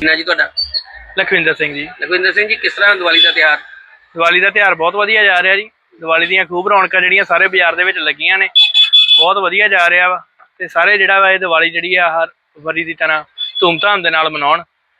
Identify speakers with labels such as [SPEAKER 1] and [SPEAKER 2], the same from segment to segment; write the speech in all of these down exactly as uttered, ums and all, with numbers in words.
[SPEAKER 1] ਨਾ ਜੀ ਤੁਹਾਡਾ?
[SPEAKER 2] ਲਖਵਿੰਦਰ ਸਿੰਘ ਜੀ।
[SPEAKER 1] ਲਖਵਿੰਦਰ ਸਿੰਘ ਜੀ, ਕਿਸ ਤਰ੍ਹਾਂ ਦੀਵਾਲੀ ਦਾ ਤਿਉਹਾਰ?
[SPEAKER 2] ਦੀਵਾਲੀ ਦਾ ਤਿਉਹਾਰ ਬਹੁਤ ਵਧੀਆ ਜਾ ਰਿਹਾ ਜੀ। ਦੀਵਾਲੀ ਦੀਆਂ ਖੂਬ ਰੌਣਕਾਂ ਜਿਹੜੀਆਂ ਸਾਰੇ ਬਾਜ਼ਾਰ ਦੇ ਵਿੱਚ ਲੱਗੀਆਂ ਨੇ, ਬਹੁਤ ਵਧੀਆ ਜਾ ਰਿਹਾ ਵਾ। ਤੇ ਸਾਰੇ ਜਿਹੜਾ ਵਾ ਇਹ ਦੀਵਾਲੀ ਜਿਹੜੀ ਆ ਹਰ ਵਾਰੀ ਦੀ ਤਰ੍ਹਾਂ ਧੂਮਧਾਮ ਦੇ ਨਾਲ ਮਨਾਉਣ।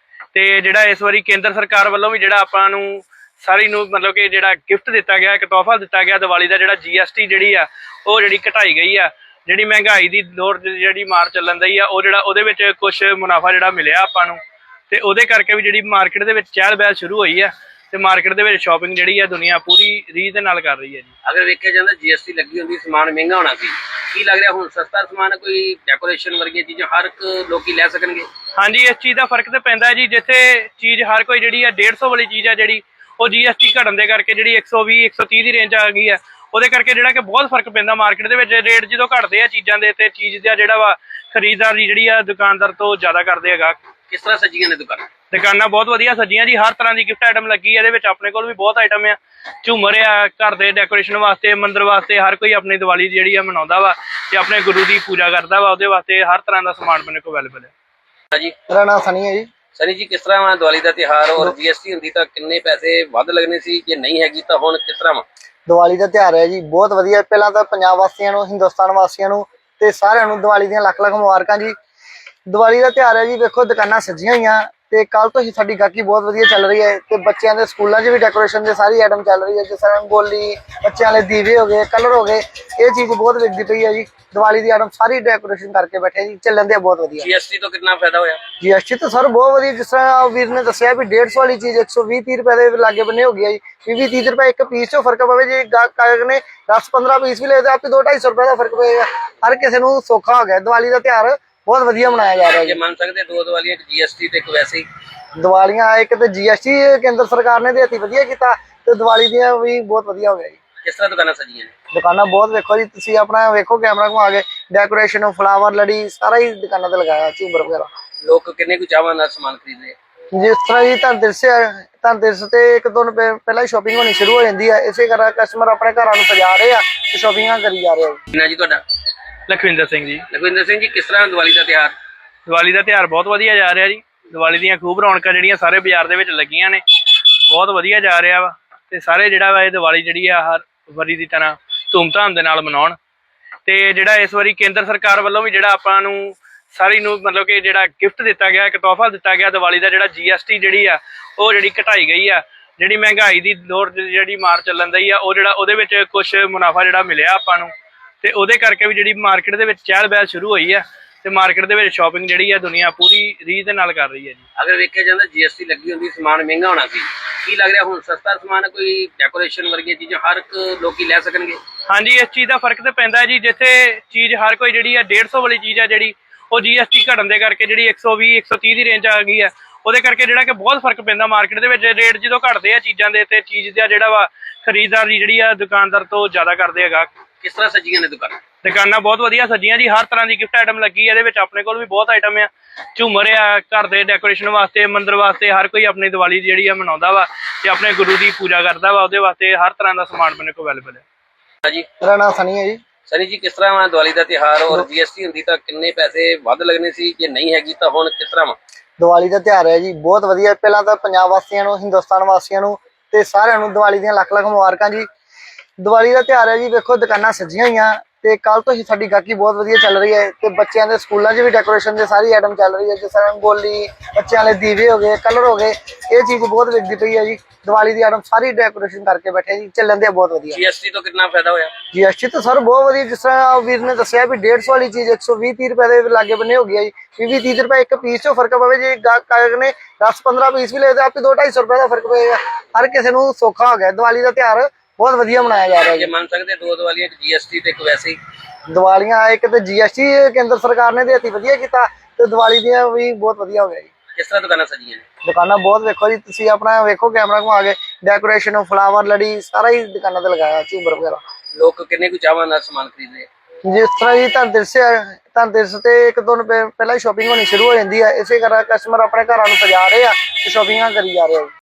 [SPEAKER 2] ਤੇ ਜਿਹੜਾ ਇਸ ਵਾਰੀ ਕੇਂਦਰ ਸਰਕਾਰ ਵੱਲੋਂ ਵੀ ਜਿਹੜਾ ਆਪਾਂ ਨੂੰ ਸਾਰੀ ਨੂੰ ਮਤਲਬ ਕਿ ਜਿਹੜਾ ਗਿਫਟ ਦਿੱਤਾ ਗਿਆ, ਇੱਕ ਤੋਹਫਾ ਦਿੱਤਾ ਗਿਆ ਦੀਵਾਲੀ ਦਾ, ਜਿਹੜਾ ਜੀ ਐਸ ਟੀ ਜਿਹੜੀ ਆ ਉਹ ਜਿਹੜੀ ਘਟਾਈ ਗਈ ਆ। ਜਿਹੜੀ ਮਹਿੰਗਾਈ ਦੀ ਦੌਰ ਜਿਹੜੀ ਮਾਰ ਚੱਲਣ ਦੀ ਆ, ਉਹ ਜਿਹੜਾ ਉਹਦੇ ਵਿੱਚ ਕੁਝ ਮੁਨਾਫਾ ਜਿਹੜਾ ਮਿਲਿਆ ਆਪਾਂ ਨੂੰ, ਤੇ ਉਹਦੇ ਕਰਕੇ ਵੀ ਜਿਹੜੀ ਮਾਰਕੀਟ ਦੇ ਵਿੱਚ ਚਹਿਲ ਪਹਿਲ ਸ਼ੁਰੂ ਹੋਈ ਆ। ਤੇ ਮਾਰਕੀਟ ਦੇ ਵਿੱਚ ਸ਼ਾਪਿੰਗ ਜਿਹੜੀ ਆ ਦੁਨੀਆ ਪੂਰੀ ਰੀਝ ਦੇ ਨਾਲ ਕਰ ਰਹੀ ਹੈ ਜੀ।
[SPEAKER 1] ਅਗਰ ਵੇਖਿਆ ਜਾਂਦਾ ਜੀ ਐਸ ਟੀ ਲੱਗੀ ਹੁੰਦੀ, ਸਮਾਨ ਮਹਿੰਗਾ ਹੋਣਾ ਸੀ, ਕੀ ਲੱਗ ਰਿਹਾ ਹੁਣ ਸਸਤਾ ਸਮਾਨ, ਕੋਈ ਡੈਕੋਰੇਸ਼ਨ ਵਰਗੀਆਂ ਚੀਜ਼ਾਂ ਹਰ ਇੱਕ ਲੋਕੀ ਲੈ ਸਕਣਗੇ?
[SPEAKER 2] ਹਾਂਜੀ, ਇਸ ਚੀਜ਼ ਦਾ ਫਰਕ ਤੇ ਪੈਂਦਾ ਜੀ। ਜਿੱਥੇ ਚੀਜ਼ ਹਰ ਕੋਈ ਜਿਹੜੀ ਆ ਡੇਢ ਸੌ ਵਾਲੀ ਚੀਜ਼ ਆ, ਜਿਹੜੀ ਉਹ ਜੀ ਐਸ ਟੀ ਘਟਣ ਦੇ ਕਰਕੇ ਜਿਹੜੀ ਇੱਕ ਸੌ ਵੀਹ ਇੱਕ ਸੌ ਤੀਹ ਦੀ ਰੇਂਜ ਆ ਗਈ ਆ, ਉਹਦੇ ਕਰਕੇ ਜਿਹੜਾ ਕਿ ਬਹੁਤ ਫਰਕ ਪੈਂਦਾ ਮਾਰਕੀਟ ਦੇ ਵਿੱਚ। ਰੇਟ ਜਦੋਂ ਘਟਦੇ ਆ ਚੀਜ਼ਾਂ ਦੇ, ਤੇ ਚੀਜ਼ ਦਾ ਜਿਹੜਾ ਵਾ ਖਰੀਦਦਾਰ ਦੀ ਜਿਹੜੀ ਆ ਦੁਕਾਨਦਾਰ ਤੋਂ ਜ਼ਿਆਦਾ ਕਰਦੇ ਹੈਗਾ।
[SPEAKER 1] ਕਿਸ ਤਰ੍ਹਾਂ ਸਜੀਆਂ ਨੇ ਦੁਕਾਨਾਂ?
[SPEAKER 2] ਦੁਕਾਨਾਂ ਬਹੁਤ ਵਧੀਆ ਸਜੀਆਂ ਜੀ। ਹਰ ਤਰ੍ਹਾਂ ਦੀ ਗਿਫਟ ਆਈਟਮ ਲੱਗੀ ਹੈ ਇਹਦੇ ਵਿੱਚ। ਆਪਣੇ ਕੋਲ ਵੀ ਬਹੁਤ ਆਈਟਮ ਆ, ਝੂਮਰ ਆ, ਘਰ ਦੇ ਡੈਕੋਰੇਸ਼ਨ ਵਾਸਤੇ, ਮੰਦਿਰ ਵਾਸਤੇ। ਹਰ ਕੋਈ ਆਪਣੀ ਦੀਵਾਲੀ ਜਿਹੜੀ ਆ ਮਨਾਉਂਦਾ ਵਾ ਤੇ ਆਪਣੇ ਗੁਰੂ ਦੀ ਪੂਜਾ ਕਰਦਾ ਵਾ। ਉਹਦੇ ਵਾਸਤੇ ਹਰ ਤਰ੍ਹਾਂ ਦਾ ਸਮਾਨ ਆਪਣੇ ਕੋਲ ਅਵੇਲੇਬਲ ਹੈ
[SPEAKER 1] ਜੀ।
[SPEAKER 3] ਮੇਰਾ ਨਾਮ ਸਨੀ ਹੈ ਜੀ।
[SPEAKER 1] ਸਨੀ ਜੀ, ਕਿਸ ਤਰ੍ਹਾਂ ਦੀਵਾਲੀ ਦਾ ਤਿਉਹਾਰ, ਔਰ ਜੀ ਐਸ ਟੀ ਹੁੰਦੀ ਤਾਂ ਕਿੰਨੇ ਪੈਸੇ ਵੱਧ ਲੱਗਣੇ ਸੀ, ਜੇ ਨਹੀਂ ਹੈਗੀ ਤਾਂ ਹੁਣ ਕਿਸ ਤਰ੍ਹਾਂ ਵਾ?
[SPEAKER 3] ਦੀਵਾਲੀ ਦਾ ਤਿਉਹਾਰ ਹੈ ਜੀ, ਬਹੁਤ ਵਧੀਆ। ਪਹਿਲਾਂ ਤਾਂ ਪੰਜਾਬ ਵਾਸੀਆਂ ਨੂੰ, ਹਿੰਦੁਸਤਾਨ ਵਾਸੀਆਂ ਨੂੰ ਤੇ ਸਾਰਿਆਂ ਨੂੰ ਦੀਵਾਲੀ ਦੀਆਂ ਲੱਖ ਲੱਖ ਮੁਬਾਰਕਾਂ ਜੀ। ਦੀਵਾਲੀ ਦਾ ਤਿਉਹਾਰ ਹੈ ਜੀ, ਵੇਖੋ ਦੁਕਾਨਾਂ ਸਜੀਆਂ ਹੋਈਆਂ ਤੇ ਕੱਲ ਤੋਂ ਹੀ ਸਾਡੀ ਗਾਹਕੀ ਬਹੁਤ ਵਧੀਆ ਚੱਲ ਰਹੀ ਹੈ। ਤੇ ਬੱਚਿਆਂ ਦੇ ਸਕੂਲਾਂ 'ਚ ਵੀ ਡੈਕੋਰੇਸ਼ਨ ਦੇ ਸਾਰੀ ਆਈਟਮ ਚੱਲ ਰਹੀ ਹੈ, ਜਿਸ ਤਰ੍ਹਾਂ ਰੰਗੋਲੀ, ਬੱਚਿਆਂ ਲਈ ਦੀਵੇ ਹੋ ਗਏ, ਕਲਰ ਹੋ ਗਏ। ਇਹ ਚੀਜ਼ ਬਹੁਤ ਵਿਕਦੀ ਪਈ ਹੈ ਜੀ। ਦੀਵਾਲੀ ਦੀ ਆਈਟਮ ਸਾਰੀ ਡੈਕੋਰੇਸ਼ਨ ਕਰਕੇ ਬੈਠੇ ਜੀ, ਚੱਲਣ ਦੇ ਬਹੁਤ ਵਧੀਆ।
[SPEAKER 1] ਜੀ ਐਸ ਟੀ ਤੋਂ ਕਿੰਨਾ ਫਾਇਦਾ ਹੋਇਆ?
[SPEAKER 3] ਜੀ ਐਸ ਟੀ ਤਾਂ ਸਰ ਬਹੁਤ ਵਧੀਆ। ਜਿਸ ਤਰ੍ਹਾਂ ਵੀਰ ਨੇ ਦੱਸਿਆ ਵੀ ਡੇਢ ਸੌ ਵਾਲੀ ਚੀਜ਼ ਇੱਕ ਸੌ ਵੀਹ ਤੀਹ ਰੁਪਏ ਦੇ ਲਾਗੇ ਬੰਨੇ ਹੋ ਗਿਆ ਜੀ। ਵੀਹ ਵੀਹ ਤੀਹ ਰੁਪਏ ਇੱਕ ਪੀਸ 'ਚੋਂ ਫਰਕ ਪਵੇ ਜੀ। ਗਾਹਕ ਨੇ ਦਸ ਪੰਦਰਾਂ ਪੀਸ ਵੀ ਲਏ ਤਾਂ ਆਪੇ ਦੋ ਢਾਈ ਸੌ ਰੁਪਏ ਦਾ ਫਰਕ ਪਏਗਾ। ਹਰ ਕਿਸੇ ਨੂੰ ਸੌਖਾ ਹੋ ਗਿਆ। ਦੀਵਾਲੀ ਦਾ ਤਿਉਹਾਰ ਬਹੁਤ ਵਧੀਆ ਮਨਾਇਆ ਜਾ ਰਿਹਾ
[SPEAKER 1] ਜੇ ਮੰਨ ਸਕਦੇ ਦੋ ਦੀਵਾਲੀਆਂ, ਇੱਕ ਜੀ ਐਸ ਟੀ ਤੇ ਇੱਕ ਵੈਸੇ ਹੀ
[SPEAKER 3] ਦੀਵਾਲੀਆਂ। ਇੱਕ ਤੇ ਜੀ ਐਸ ਟੀ ਕੇਂਦਰ ਸਰਕਾਰ ਨੇ ਦੇਤੀ, ਵਧੀਆ ਕੀਤਾ, ਤੇ ਦੀਵਾਲੀ ਦੀਆਂ ਵੀ ਬਹੁਤ ਵਧੀਆ ਹੋ ਗਿਆ ਜੀ।
[SPEAKER 1] ਕਿਸ ਤਰ੍ਹਾਂ ਦੁਕਾਨਾਂ ਸਜੀਆਂ ਨੇ?
[SPEAKER 3] ਦੁਕਾਨਾਂ ਬਹੁਤ ਵੇਖੋ ਜੀ, ਤੁਸੀਂ ਆਪਣਾ ਵੇਖੋ ਕੈਮਰਾ ਘੁਮਾ ਕੇ। ਡੈਕੋਰੇਸ਼ਨ, ਫਲਾਵਰ, ਲੜੀ ਸਾਰਾ ਹੀ ਦੁਕਾਨਾਂ ਤੇ ਲਗਾਇਆ, ਝੂਮਰ ਵਗੈਰਾ।
[SPEAKER 1] ਲੋਕ ਕਿੰਨੇ ਕੁ ਚਾਹਵਾਂ ਨਾਲ ਸਮਾਨ ਖਰੀਦਦੇ?
[SPEAKER 3] ਜਿਸ ਤਰ੍ਹਾਂ ਜੀ ਧਨਤੇਰਸ ਧਨਤੇਰਸ ਤੇ ਇੱਕ ਦੋ ਦਿਨ ਪਹਿਲਾਂ ਹੀ ਸ਼ਾਪਿੰਗ ਹੋਣੀ ਸ਼ੁਰੂ ਹੋ ਜਾਂਦੀ ਹੈ। ਇਸੇ ਕਰਕੇ ਕਸਟਮਰ ਆਪਣੇ ਘਰਾਂ ਨੂੰ ਸਜਾ ਰਹੇ ਆ ਤੇ ਸ਼ਾਪਿੰਗਾਂ ਕਰੀ ਜਾ ਰਹੇ ਆ ਜੀ।
[SPEAKER 1] ਨਾ ਜੀ ਤੁਹਾਡਾ?
[SPEAKER 2] ਲਖਵਿੰਦਰ ਸਿੰਘ ਜੀ।
[SPEAKER 1] ਲਖਵਿੰਦਰ ਸਿੰਘ ਜੀ, ਕਿਸ ਤਰ੍ਹਾਂ ਦੀਵਾਲੀ ਦਾ ਤਿਉਹਾਰ?
[SPEAKER 2] ਦੀਵਾਲੀ ਦਾ ਤਿਉਹਾਰ ਬਹੁਤ ਵਧੀਆ ਜਾ ਰਿਹਾ ਜੀ। ਦੀਵਾਲੀ ਦੀਆਂ ਖੂਬ ਰੌਣਕਾਂ ਜਿਹੜੀਆਂ ਸਾਰੇ ਬਾਜ਼ਾਰ ਦੇ ਵਿੱਚ ਲੱਗੀਆਂ ਨੇ, ਬਹੁਤ ਵਧੀਆ ਜਾ ਰਿਹਾ ਵਾ। ਤੇ ਸਾਰੇ ਜਿਹੜਾ ਵਾ ਇਹ ਦੀਵਾਲੀ ਜਿਹੜੀ ਆ ਹਰ ਵਾਰੀ ਦੀ ਤਰ੍ਹਾਂ ਧੂਮਧਾਮ ਦੇ ਨਾਲ ਮਨਾਉਣ। ਤੇ ਜਿਹੜਾ ਇਸ ਵਾਰੀ ਕੇਂਦਰ ਸਰਕਾਰ ਵੱਲੋਂ ਵੀ ਜਿਹੜਾ ਆਪਾਂ ਨੂੰ ਸਾਰੀ ਨੂੰ ਮਤਲਬ ਕਿ ਜਿਹੜਾ ਗਿਫਟ ਦਿੱਤਾ ਗਿਆ, ਇੱਕ ਤੋਹਫਾ ਦਿੱਤਾ ਗਿਆ ਦੀਵਾਲੀ ਦਾ, ਜਿਹੜਾ ਜੀ ਐਸ ਟੀ ਜਿਹੜੀ ਆ ਉਹ ਜਿਹੜੀ ਘਟਾਈ ਗਈ ਆ। ਜਿਹੜੀ ਮਹਿੰਗਾਈ ਦੀ ਦੌਰ ਜਿਹੜੀ ਮਾਰ ਚੱਲਣ ਦੀ ਆ, ਉਹ ਜਿਹੜਾ ਉਹਦੇ ਵਿੱਚ ਕੁਝ ਮੁਨਾਫਾ ਜਿਹੜਾ ਮਿਲਿਆ ਆਪਾਂ ਨੂੰ, ਤੇ ਉਹਦੇ ਕਰਕੇ ਵੀ ਜਿਹੜੀ ਮਾਰਕੀਟ ਦੇ ਵਿੱਚ ਚਹਿਲ ਪਹਿਲ ਸ਼ੁਰੂ ਹੋਈ ਆ। ਤੇ ਮਾਰਕੀਟ ਦੇ ਵਿੱਚ ਸ਼ਾਪਿੰਗ ਜਿਹੜੀ ਆ ਦੁਨੀਆ ਪੂਰੀ ਰੀਝ ਦੇ ਨਾਲ ਕਰ ਰਹੀ ਹੈ ਜੀ।
[SPEAKER 1] ਅਗਰ ਵੇਖਿਆ ਜਾਂਦਾ ਜੀ ਐਸ ਟੀ ਲੱਗੀ ਹੁੰਦੀ, ਸਮਾਨ ਮਹਿੰਗਾ ਹੋਣਾ ਸੀ, ਕੀ ਲੱਗ ਰਿਹਾ ਹੁਣ ਸਸਤਾ ਸਮਾਨ, ਕੋਈ ਡੈਕੋਰੇਸ਼ਨ ਵਰਗੀਆਂ ਚੀਜ਼ਾਂ ਹਰ ਇੱਕ ਲੋਕੀ ਲੈ ਸਕਣਗੇ?
[SPEAKER 2] ਹਾਂਜੀ, ਇਸ ਚੀਜ਼ ਦਾ ਫਰਕ ਤੇ ਪੈਂਦਾ ਜੀ। ਜਿੱਥੇ ਚੀਜ਼ ਹਰ ਕੋਈ ਜਿਹੜੀ ਆ ਡੇਢ ਸੌ ਵਾਲੀ ਚੀਜ਼ ਆ, ਜਿਹੜੀ ਉਹ ਜੀ ਐਸ ਟੀ ਘਟਣ ਦੇ ਕਰਕੇ ਜਿਹੜੀ ਇੱਕ ਸੌ ਵੀਹ ਇੱਕ ਸੌ ਤੀਹ ਦੀ ਰੇਂਜ ਆ ਗਈ ਆ, ਉਹਦੇ ਕਰਕੇ ਜਿਹੜਾ ਕਿ ਬਹੁਤ ਫਰਕ ਪੈਂਦਾ ਮਾਰਕੀਟ ਦੇ ਵਿੱਚ। ਰੇਟ ਜਦੋਂ ਘਟਦੇ ਆ ਚੀਜ਼ਾਂ ਦੇ, ਤੇ ਚੀਜ਼ ਦਾ ਜਿਹੜਾ ਵਾ ਖਰੀਦਦਾਰ ਦੀ ਜਿਹੜੀ ਆ ਦੁਕਾਨਦਾਰ ਤੋਂ ਜ਼ਿਆਦਾ ਕਰਦੇ ਹੈਗਾ।
[SPEAKER 1] ਕਿਸ ਤਰ੍ਹਾਂ ਸਜੀਆਂ ਨੇ ਦੁਕਾਨਾਂ?
[SPEAKER 2] ਦੁਕਾਨਾਂ ਬਹੁਤ ਵਧੀਆ ਸਜੀਆਂ ਜੀ। ਹਰ ਤਰ੍ਹਾਂ ਦੀ ਗਿਫਟ ਆਈਟਮ ਲੱਗੀ ਹੈ ਇਹਦੇ ਵਿੱਚ। ਆਪਣੇ ਕੋਲ ਵੀ ਬਹੁਤ ਆਈਟਮ ਆ, ਝੂਮਰ ਆ, ਘਰ ਦੇ ਡੈਕੋਰੇਸ਼ਨ ਵਾਸਤੇ, ਮੰਦਿਰ ਵਾਸਤੇ। ਹਰ ਕੋਈ ਆਪਣੀ ਦੀਵਾਲੀ ਜਿਹੜੀ ਆ ਮਨਾਉਂਦਾ ਵਾ ਤੇ ਆਪਣੇ ਗੁਰੂ ਦੀ ਪੂਜਾ ਕਰਦਾ ਵਾ। ਉਹਦੇ ਵਾਸਤੇ ਹਰ ਤਰ੍ਹਾਂ ਦਾ ਸਮਾਨ ਆਪਣੇ ਕੋਲ ਅਵੇਲੇਬਲ ਹੈ
[SPEAKER 1] ਜੀ।
[SPEAKER 3] ਮੇਰਾ ਨਾਮ ਸਨੀ ਹੈ ਜੀ।
[SPEAKER 1] ਸਨੀ ਜੀ, ਕਿਸ ਤਰ੍ਹਾਂ ਦੀਵਾਲੀ ਦਾ ਤਿਉਹਾਰ, ਔਰ ਜੀ ਐਸ ਟੀ ਹੁੰਦੀ ਤਾਂ ਕਿੰਨੇ ਪੈਸੇ ਵੱਧ ਲੱਗਣੇ ਸੀ, ਜੇ ਨਹੀਂ ਹੈਗੀ ਤਾਂ ਹੁਣ ਕਿਸ ਤਰ੍ਹਾਂ ਵਾ?
[SPEAKER 3] ਦੀਵਾਲੀ ਦਾ ਤਿਉਹਾਰ ਹੈ ਜੀ, ਬਹੁਤ ਵਧੀਆ। ਪਹਿਲਾਂ ਤਾਂ ਪੰਜਾਬ ਵਾਸੀਆਂ ਨੂੰ, ਹਿੰਦੁਸਤਾਨ ਵਾਸੀਆਂ ਨੂੰ ਤੇ ਸਾਰਿਆਂ ਨੂੰ ਦੀਵਾਲੀ ਦੀਆਂ ਲੱਖ ਲੱਖ ਮੁਬਾਰਕਾਂ ਜੀ। ਦੀਵਾਲੀ ਦਾ ਤਿਉਹਾਰ ਹੈ ਜੀ, ਵੇਖੋ ਦੁਕਾਨਾਂ ਸਜੀਆਂ ਹੋਈਆਂ ਤੇ ਕੱਲ ਤੋਂ ਹੀ ਸਾਡੀ ਗਾਹਕੀ ਬਹੁਤ ਵਧੀਆ ਚੱਲ ਰਹੀ ਹੈ। ਤੇ ਬੱਚਿਆਂ ਦੇ ਸਕੂਲਾਂ 'ਚ ਵੀ ਡੈਕੋਰੇਸ਼ਨ ਦੇ ਸਾਰੀ ਆਈਟਮ ਚੱਲ ਰਹੀ ਹੈ, ਜਿਸ ਤਰ੍ਹਾਂ ਰੰਗੋਲੀ, ਬੱਚਿਆਂ ਲਈ ਦੀਵੇ ਹੋ ਗਏ, ਕਲਰ ਹੋ ਗਏ। ਇਹ ਚੀਜ਼ ਬਹੁਤ ਵਿਕਦੀ ਪਈ ਹੈ ਜੀ। ਦੀਵਾਲੀ ਦੀ ਆਈਟਮ ਸਾਰੀ ਡੈਕੋਰੇਸ਼ਨ ਕਰਕੇ ਬੈਠੇ ਜੀ, ਚੱਲਣ ਦੇ ਬਹੁਤ ਵਧੀਆ।
[SPEAKER 1] ਜੀ ਐਸ ਟੀ ਤੋਂ ਕਿੰਨਾ ਫਾਇਦਾ ਹੋਇਆ?
[SPEAKER 3] ਜੀ ਐਸ ਟੀ ਤਾਂ ਸਰ ਬਹੁਤ ਵਧੀਆ। ਜਿਸ ਤਰ੍ਹਾਂ ਵੀਰ ਨੇ ਦੱਸਿਆ ਵੀ ਡੇਢ ਸੌ ਵਾਲੀ ਚੀਜ਼ ਇੱਕ ਸੌ ਵੀਹ ਤੀਹ ਰੁਪਏ ਦੇ ਲਾਗੇ ਬੰਨੇ ਹੋ ਗਿਆ ਜੀ। ਵੀਹ ਵੀਹ ਤੀਹ ਰੁਪਏ ਇੱਕ ਪੀਸ 'ਚੋਂ ਫਰਕ ਪਵੇ ਜੀ। ਗਾਹਕ ਨੇ ਦਸ ਪੰਦਰਾਂ ਪੀਸ ਵੀ ਲਏ ਤਾਂ ਆਪੇ ਦੋ ਢਾਈ ਸੌ ਰੁਪਏ ਦਾ ਫਰਕ ਪਏਗਾ। ਹਰ ਕਿਸੇ ਨੂੰ ਸੌਖਾ ਹੋ ਗਿਆ। ਦੀਵਾਲੀ ਦਾ ਤਿਉਹਾਰ ਬਹੁਤ ਵਧੀਆ ਮਨਾਇਆ ਜਾ ਰਿਹਾ
[SPEAKER 1] ਜੇ ਮੰਨ ਸਕਦੇ ਦੋ ਦੀਵਾਲੀਆਂ, ਇੱਕ ਜੀ ਐਸ ਟੀ ਤੇ ਇੱਕ ਵੈਸੇ ਹੀ
[SPEAKER 3] ਦੀਵਾਲੀਆਂ। ਇੱਕ ਤੇ ਜੀ ਐਸ ਟੀ ਕੇਂਦਰ ਸਰਕਾਰ ਨੇ ਦੇਤੀ, ਵਧੀਆ ਕੀਤਾ, ਤੇ ਦੀਵਾਲੀ ਦੀਆਂ ਵੀ ਬਹੁਤ ਵਧੀਆ ਹੋ ਗਿਆ ਜੀ।
[SPEAKER 1] ਕਿਸ ਤਰ੍ਹਾਂ ਦੁਕਾਨਾਂ ਸਜੀਆਂ ਨੇ?
[SPEAKER 3] ਦੁਕਾਨਾਂ ਬਹੁਤ ਵੇਖੋ ਜੀ, ਤੁਸੀਂ ਆਪਣਾ ਵੇਖੋ ਕੈਮਰਾ ਘੁਮਾ ਕੇ। ਡੈਕੋਰੇਸ਼ਨ, ਫਲਾਵਰ, ਲੜੀ ਸਾਰਾ ਹੀ ਦੁਕਾਨਾਂ ਤੇ ਲਗਾਇਆ, ਝੂਮਰ ਵਗੈਰਾ।
[SPEAKER 1] ਲੋਕ ਕਿੰਨੇ ਕੁ ਚਾਹਵਾਂ ਨਾਲ ਸਮਾਨ ਖਰੀਦਦੇ?
[SPEAKER 3] ਜਿਸ ਤਰ੍ਹਾਂ ਜੀ ਧਨਤੇਰਸ ਧਨਤੇਰਸ ਤੇ ਇੱਕ ਦੋ ਦਿਨ ਪਹਿਲਾਂ ਹੀ ਸ਼ਾਪਿੰਗ ਹੋਣੀ ਸ਼ੁਰੂ ਹੋ ਜਾਂਦੀ ਹੈ। ਇਸੇ ਕਰਕੇ ਕਸਟਮਰ ਆਪਣੇ ਘਰਾਂ ਨੂੰ ਸਜਾ ਰਹੇ ਆ ਤੇ ਸ਼ਾਪਿੰਗਾਂ ਕਰੀ ਜਾ ਰਹੇ ਆ ਜੀ।